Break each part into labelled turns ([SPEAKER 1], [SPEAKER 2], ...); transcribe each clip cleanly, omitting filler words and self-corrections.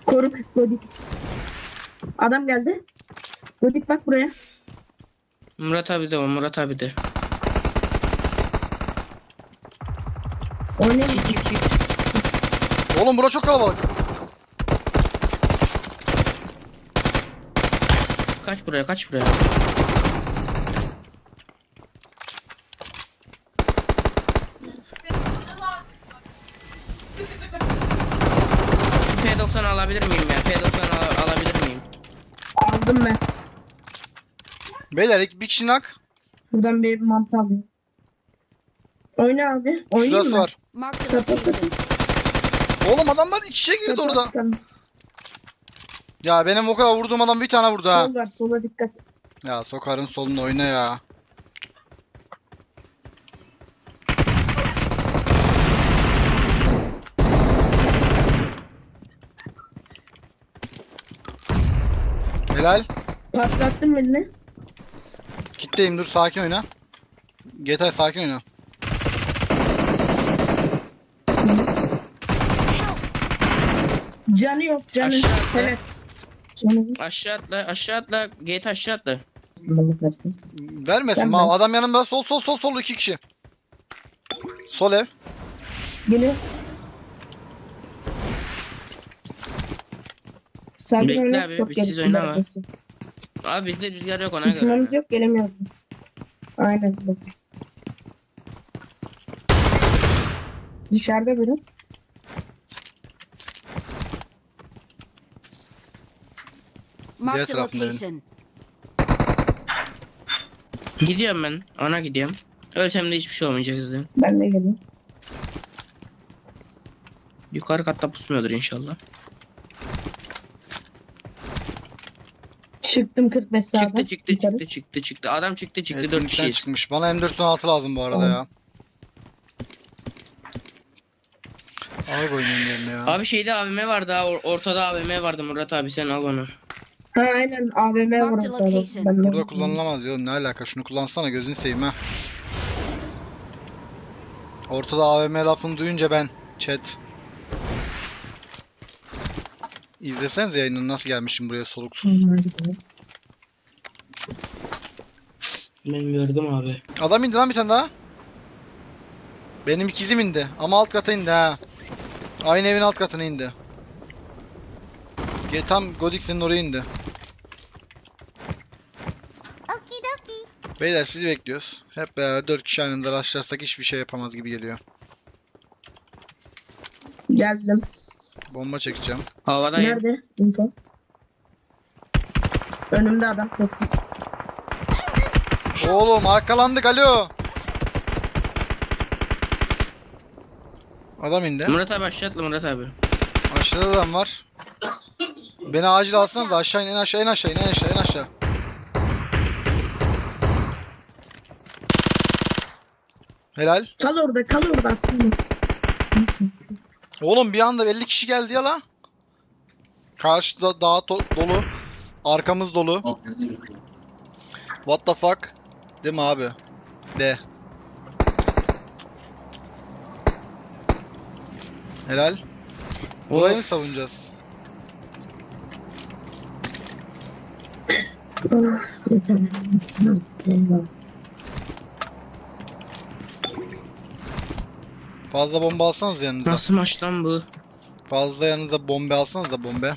[SPEAKER 1] Koruk Godik. Adam geldi. Godik bak buraya.
[SPEAKER 2] Murat abi de var, Murat abi de.
[SPEAKER 1] Oynayalım.
[SPEAKER 2] Git.
[SPEAKER 3] Oğlum bura çok kalabalık.
[SPEAKER 2] Kaç buraya, kaç buraya. P90 alabilir miyim ya? P90 alabilir miyim?
[SPEAKER 1] Aldım ben.
[SPEAKER 3] Beyler bir kişi nak.
[SPEAKER 1] Buradan bir mantı alayım. Oyna abi. Oynayayım
[SPEAKER 3] Şurası
[SPEAKER 1] mı?
[SPEAKER 3] var.
[SPEAKER 4] Mark the location.
[SPEAKER 3] Oğlum adamlar iç içe girdi orada.
[SPEAKER 1] Tamam.
[SPEAKER 3] Ya benim o kadar vurduğum adam bir tane vurdu ha.
[SPEAKER 1] Sol var. Sola dikkat.
[SPEAKER 3] Ya sokarın solunu oyna ya. Helal.
[SPEAKER 1] Patlattın beni.
[SPEAKER 3] Kitleyim dur sakin oyna. GTA sakin oyna.
[SPEAKER 1] Canı yok. Canı.
[SPEAKER 2] Aşağı atla.
[SPEAKER 1] Evet. Canı yok.
[SPEAKER 2] Aşağı atla. Gate aşağı atla.
[SPEAKER 1] Balık versin.
[SPEAKER 3] Vermesin
[SPEAKER 1] Ben
[SPEAKER 3] ma
[SPEAKER 1] ben.
[SPEAKER 3] adam yanımda sol iki kişi. Sol ev.
[SPEAKER 1] Geliyor. Sakin
[SPEAKER 2] Bekle
[SPEAKER 1] oyna.
[SPEAKER 2] abi,
[SPEAKER 1] Çok
[SPEAKER 2] biz siz
[SPEAKER 1] gelişti
[SPEAKER 2] oynama.
[SPEAKER 1] arkası.
[SPEAKER 2] Abi bizde rüzgar yok, ona göre.
[SPEAKER 1] İhtimalimiz yok. Gelemiyoruz biz. Aynen. Bak. Dışarıda biri.
[SPEAKER 4] Mark the
[SPEAKER 3] tarafında benim.
[SPEAKER 4] location.
[SPEAKER 2] Gidiyorum ben. Ona gidiyorum. Ölsem de hiçbir şey olmayacak zaten.
[SPEAKER 1] Ben de geliyorum.
[SPEAKER 2] Yukarı katta pusmuyordur inşallah.
[SPEAKER 1] Çıktım 45 sağdan.
[SPEAKER 2] Çıktı. Adam çıktı.
[SPEAKER 3] Evet,
[SPEAKER 2] 4
[SPEAKER 3] linkten
[SPEAKER 2] kişiyiz.
[SPEAKER 3] çıkmış. Bana M416 lazım bu arada ya. Abi oynayayım yerine ya.
[SPEAKER 2] Abi şeyde AVM vardı ha. Ortada AVM vardı Murat abi, sen al onu.
[SPEAKER 1] Ha aynen AVM var
[SPEAKER 4] Mark the
[SPEAKER 1] orada.
[SPEAKER 4] location.
[SPEAKER 1] Ben de-
[SPEAKER 3] Burada kullanılamaz diyorum. Ne alaka? Şunu kullansana gözünü seveyim ha. Ortada AVM lafını duyunca ben chat. İzleseniz yayını nasıl gelmişim buraya soluksuz.
[SPEAKER 2] Ben gördüm abi.
[SPEAKER 3] Adam indi lan bir tane daha. Benim ikizim indi ama alt kata indi ha. Aynı evin alt katına indi. Tam Godik senin oraya indi. Beyler sizi bekliyoruz. Hep beraber 4 kişi aynı anda rastlarsak hiçbir şey yapamaz gibi geliyor.
[SPEAKER 1] Geldim.
[SPEAKER 3] Bomba çekeceğim.
[SPEAKER 2] Havadayım.
[SPEAKER 1] Nerede? Info. Önümde adam sessiz.
[SPEAKER 3] Oğlum arkalandık alo. Adam indi.
[SPEAKER 2] Murat abi aşağı atla Murat abi.
[SPEAKER 3] Aşağıda adam var. Beni acil alsanız da aşağı in, en aşağı en aşağı. Helal.
[SPEAKER 1] Kal orada aslında. Neyse.
[SPEAKER 3] Oğlum bir anda 50 kişi geldi ya la. Karşıda dağ dolu. Arkamız dolu. What the fuck? Değil mi abi? De. Helal. Burayı mı savunacağız? Fazla bomba alsanız yanınıza.
[SPEAKER 2] Nasıl maç lan bu?
[SPEAKER 3] Fazla yanınıza bombe alsanız da bombe.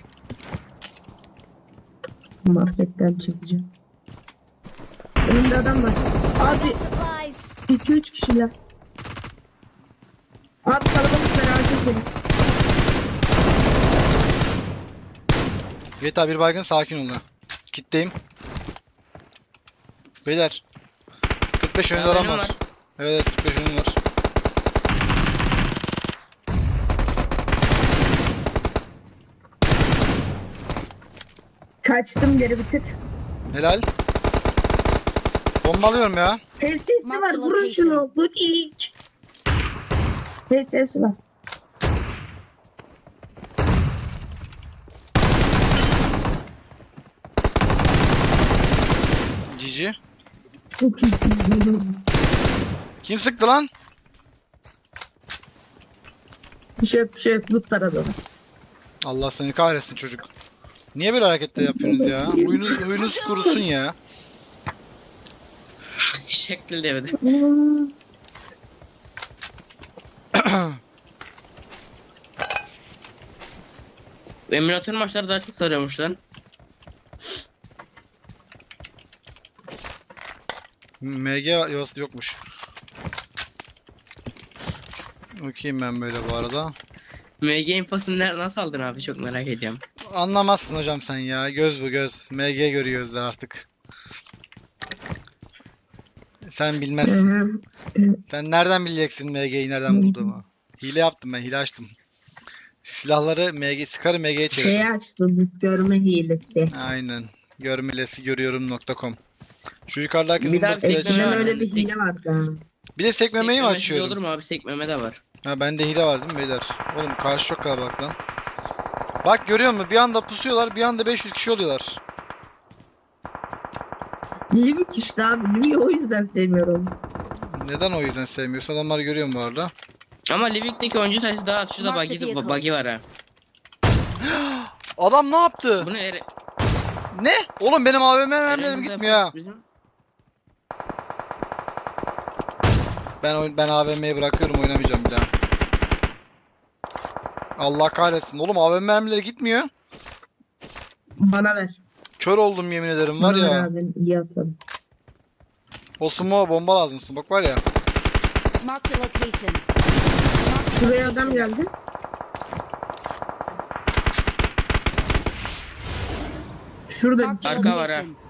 [SPEAKER 1] Marketten çekeceğim. Önümde adam var. Abi
[SPEAKER 4] Supplies.
[SPEAKER 1] 2-3 kişiler. Abi kalabalık merak etmeyin.
[SPEAKER 3] GTA bir baygın sakin olun. Kitleyim. Beyler. 45 önünde adam var. Evet 45 önünde var.
[SPEAKER 1] Kaçtım geri bitir.
[SPEAKER 3] Helal. Bomba alıyorum ya.
[SPEAKER 1] HS'si
[SPEAKER 4] Mark
[SPEAKER 1] var
[SPEAKER 4] the
[SPEAKER 1] vurun
[SPEAKER 4] location.
[SPEAKER 1] şunu. Budik. HS'si var.
[SPEAKER 3] Cici.
[SPEAKER 1] Çok iyisin.
[SPEAKER 3] Kim sıktı lan?
[SPEAKER 1] Bir şey yok. Loot taradı.
[SPEAKER 3] Allah seni kahretsin çocuk. Niye böyle hareketler yapıyorsunuz ya? Huyunuz kurusun ya.
[SPEAKER 2] Şekli devede. Emülatör maçları daha çok sarıyormuş lan.
[SPEAKER 3] MG yuvası yokmuş. Okuyayım ben böyle bu arada.
[SPEAKER 2] MG infosunu nasıl aldın abi, çok merak ediyorum.
[SPEAKER 3] Anlamazsın hocam sen ya. Göz bu göz. MG görüyor gözler artık. Sen bilmezsin. Sen nereden bileceksin MG'yi nereden bulduğumu? Hile yaptım ben, hile açtım. Silahları sıkarı MG'ye çevirdim.
[SPEAKER 1] Şeyi açtım. Görme hilesi.
[SPEAKER 3] Aynen. Görmelesi görüyorum.com. Şu yukarıdaki
[SPEAKER 2] Bir daha
[SPEAKER 3] zımbırtıyı
[SPEAKER 2] sekmeme
[SPEAKER 1] Eskiden
[SPEAKER 3] açayım.
[SPEAKER 2] var.
[SPEAKER 1] öyle bir hile vardı ha.
[SPEAKER 3] Bir de sekmemeyi mi
[SPEAKER 2] Sekmemesiz
[SPEAKER 3] açıyorum?
[SPEAKER 2] olur mu abi, sekmeme de var.
[SPEAKER 3] Ha bende hile var değil mi beyler? Oğlum karşı çok kalabalık lan. Bak görüyor musun? Bir anda pusuyorlar, bir anda 500 kişi oluyorlar.
[SPEAKER 1] Livik işte abi. Livik'i o yüzden sevmiyorum.
[SPEAKER 3] Neden o yüzden sevmiyorsun? Adamlar görüyorum bu arada.
[SPEAKER 2] Ama Livik'teki oyuncu sayısı daha az. Şurada
[SPEAKER 4] Mark the
[SPEAKER 2] bug'i
[SPEAKER 4] vehicle.
[SPEAKER 2] var ha.
[SPEAKER 3] Adam ne yaptı?
[SPEAKER 2] Bunu
[SPEAKER 3] Ne? Oğlum benim AVM mermilerim gitmiyor ha. Ben AVM'yi bırakıyorum, oynamayacağım bir daha. Allah kahretsin. Oğlum AVM mermileri gitmiyor.
[SPEAKER 1] Bana ver.
[SPEAKER 3] Kör oldum yemin ederim var
[SPEAKER 1] Bana ver
[SPEAKER 3] ya.
[SPEAKER 1] abi. İyi atalım.
[SPEAKER 3] O smoke'a bomba lazım. Bak var ya.
[SPEAKER 4] Marked a location.
[SPEAKER 1] Şuraya adam geldi. Şurada
[SPEAKER 4] Marked a
[SPEAKER 2] Arka var ha.
[SPEAKER 4] location.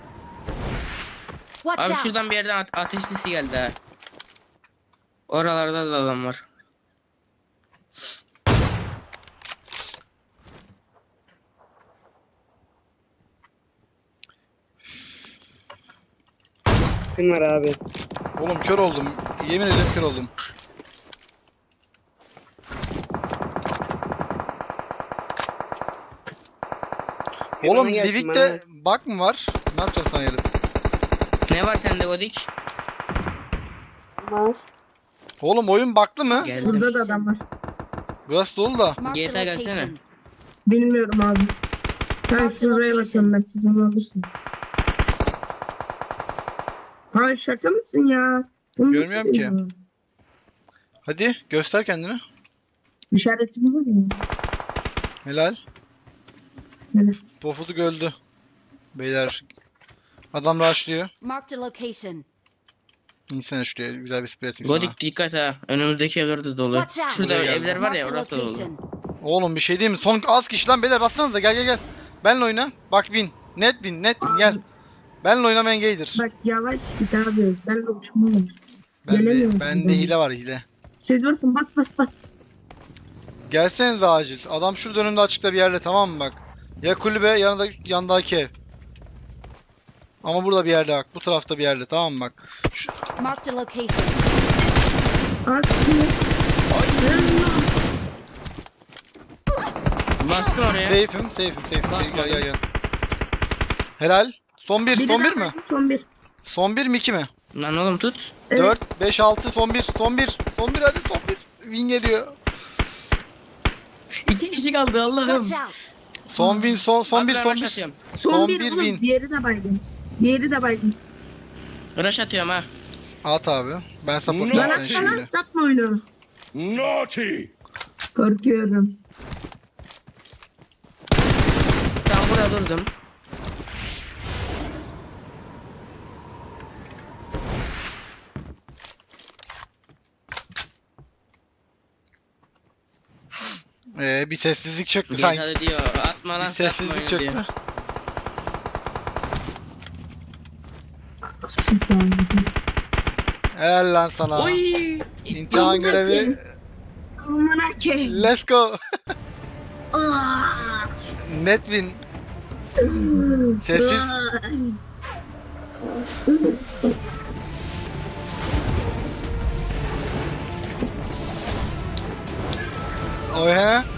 [SPEAKER 4] Watch
[SPEAKER 2] Abi
[SPEAKER 4] out.
[SPEAKER 2] şuradan bir yerden ateş sesi geldi ha. Oralarda da adam var.
[SPEAKER 5] Kim var abi?
[SPEAKER 3] Oğlum kör oldum. Yemin ederim kör oldum. Oğlum
[SPEAKER 5] Yanıma gelsin
[SPEAKER 3] Livik'te bug mı var? Ne yapacaksın sen gelip?
[SPEAKER 2] Ne var sende Godik?
[SPEAKER 5] Var.
[SPEAKER 3] Oğlum oyun bug'lı mı?
[SPEAKER 2] Geldim.
[SPEAKER 1] Şurada da adam var.
[SPEAKER 3] Burası dolu da.
[SPEAKER 4] Marked a
[SPEAKER 2] GTA gelsene.
[SPEAKER 4] location.
[SPEAKER 1] Bilmiyorum abi. Ben
[SPEAKER 4] Marked
[SPEAKER 1] şuraya
[SPEAKER 4] location.
[SPEAKER 1] bakıyorum, ben siz onu alırsın. Ha şaka mısın ya? Bunu
[SPEAKER 3] Görmüyorum
[SPEAKER 1] nasıl
[SPEAKER 3] ki.
[SPEAKER 1] yapıyor?
[SPEAKER 3] Hadi göster kendini.
[SPEAKER 1] İşareti mi var ya?
[SPEAKER 3] Helal.
[SPEAKER 1] Evet.
[SPEAKER 3] Pofuduk öldü. Beyler. Adam rushlıyor.
[SPEAKER 4] Marked a location.
[SPEAKER 3] İnsene şuraya güzel bir spray atayım sana.
[SPEAKER 2] Godik dikkat ha. Önümüzdeki evler de dolu.
[SPEAKER 4] Watch out.
[SPEAKER 2] Şurada
[SPEAKER 3] Buraya
[SPEAKER 2] evler var ya,
[SPEAKER 4] Marked a
[SPEAKER 2] orası da dolu.
[SPEAKER 4] location.
[SPEAKER 3] Oğlum bir şey değil mi? Son az kişi lan beyler, bassanıza, gel. Benle oyna. Bak win. Net win gel. Benle oynamayan gaydir.
[SPEAKER 1] Bak yavaş git abi. Sen de uçma var.
[SPEAKER 3] Bende
[SPEAKER 1] gelemiyorum ben.
[SPEAKER 3] hile var, hile.
[SPEAKER 1] Siz varsın, bas.
[SPEAKER 3] Gelsenize acil. Adam şurada önümde açıkta bir yerde, tamam mı bak. Ya kulübe yandaki ev. Ama burada bir yerde bak. Bu tarafta bir yerde, tamam mı bak.
[SPEAKER 4] Marked a location.
[SPEAKER 1] Aslında.
[SPEAKER 2] Bastın oraya.
[SPEAKER 3] Safe'im.
[SPEAKER 2] Basma.
[SPEAKER 3] Gel. Helal. Son bir mi?
[SPEAKER 1] Son bir.
[SPEAKER 3] Son bir mi 2 mi?
[SPEAKER 2] Lan oğlum tut.
[SPEAKER 1] Evet.
[SPEAKER 3] 4, 5, 6, son bir. Son bir hadi son bir. Win geliyor.
[SPEAKER 2] 2 kişi kaldı Allah'ım.
[SPEAKER 4] Watch out.
[SPEAKER 3] Son win, son
[SPEAKER 2] Abi
[SPEAKER 3] bir,
[SPEAKER 2] ben
[SPEAKER 3] son
[SPEAKER 2] rush
[SPEAKER 3] bir.
[SPEAKER 2] atıyorum.
[SPEAKER 3] Son
[SPEAKER 1] bir
[SPEAKER 3] bir
[SPEAKER 1] oğlum,
[SPEAKER 3] win.
[SPEAKER 1] Diğeri de baygın.
[SPEAKER 2] Rush atıyorum ha.
[SPEAKER 3] At abi. Ben
[SPEAKER 1] Lan
[SPEAKER 3] support'um sen
[SPEAKER 1] atsana,
[SPEAKER 3] şimdi.
[SPEAKER 1] satma oyunu.
[SPEAKER 6] Naughty!
[SPEAKER 1] Korkuyorum.
[SPEAKER 2] Tam burada durdum.
[SPEAKER 3] Bir sessizlik çöktü sanki.
[SPEAKER 2] GTA'da diyor atma
[SPEAKER 3] Bir
[SPEAKER 2] lan,
[SPEAKER 3] sessizlik
[SPEAKER 2] satma oyunu diyor.
[SPEAKER 3] çöktü.
[SPEAKER 1] Sus abi.
[SPEAKER 3] Helal lan sana.
[SPEAKER 2] Oy.
[SPEAKER 3] İmtihan
[SPEAKER 1] Amına
[SPEAKER 3] görevi.
[SPEAKER 1] koyayım. Amına koyayım.
[SPEAKER 3] Let's go.
[SPEAKER 1] Aa!
[SPEAKER 3] Net win. Sessiz. Oy he.